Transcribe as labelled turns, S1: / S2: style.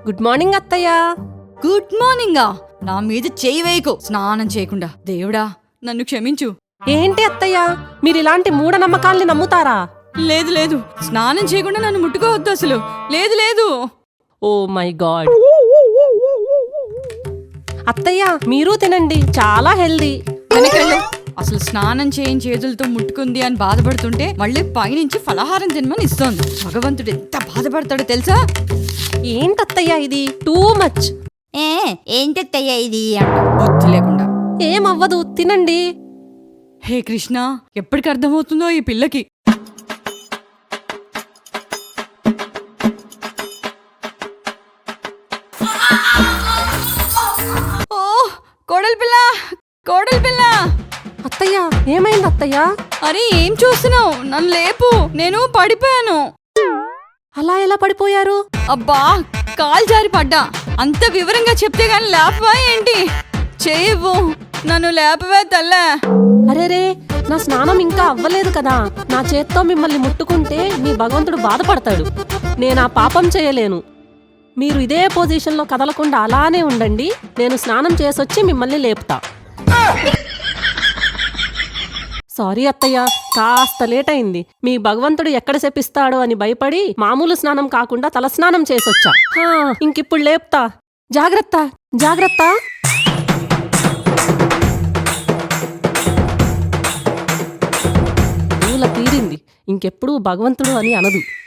S1: Good morning అత్తయ్య.
S2: Good మార్నింగా? నా మీద చేయి వేయకు స్నానం చేయకుండా. దేవుడా నన్ను క్షమించు.
S1: ఏంటి అత్తయ్య, మీరిలాంటి మూఢనమ్మకాల్ని నమ్ముతారా?
S2: లేదు లేదు, స్నానం చేయకుండా నన్ను ముట్టుకోవద్దు అసలు. లేదు లేదు.
S1: Oh my god. అత్తయ్య మీరు తినండి, చాలా హెల్దీ.
S2: వెనకెళ్ళు. అసలు స్నానం చేయని చేతులతో ముట్టుకుంది అని బాధపడుతుంటే మళ్ళీ పైనుంచి ఫలహారం తినమని ఇస్తోంది. భగవంతుడు ఎంత బాధపడతాడో తెలుసా?
S1: ఏంటత్తయ్య ఇది టూ మచ్.
S2: ఏంటయ్యా ఇది అంట బుద్ధి లేకుండా.
S1: ఏమవ్వదు, తినండి.
S2: హే కృష్ణ, ఎప్పటికి అర్థమవుతుందో ఈ పిల్లకి. ఓ కోడలి పిల్ల, కోడలి పిల్ల.
S1: అత్తయ్య ఏమైంది అత్తయ్య?
S2: అరే ఏం చూస్తున్నావు? నన్ను లేపు, నేను పడిపోయాను.
S1: అలా ఎలా పడిపోయారు?
S2: అబ్బా కాలు జారి పడ్డా. అంత వివరంగా చెప్తే గాని లేపవా ఏంటి? చేయవు, నన్ను లేపవే తల్లే.
S1: అరేరే, నా స్నానం ఇంకా అవ్వలేదు కదా. నా చేత్తో మిమ్మల్ని ముట్టుకుంటే మీ భగవంతుడు బాధపడతాడు. నేనా పాపం చేయలేను. మీరు ఇదే పొజిషన్లో కదలకుండా అలానే ఉండండి. నేను స్నానం చేసొచ్చి మిమ్మల్ని లేపుతా. సారీ అత్తయ్య, కాస్త లేట్ అయింది. మీ భగవంతుడు ఎక్కడ శపిస్తాడో అని భయపడి మామూలు స్నానం కాకుండా తలస్నానం చేసొచ్చా. ఇంకిప్పుడు లేపుతా. జాగ్రత్త జాగ్రత్త. పూల తీరింది, ఇంకెప్పుడు భగవంతుడు అని అనదు.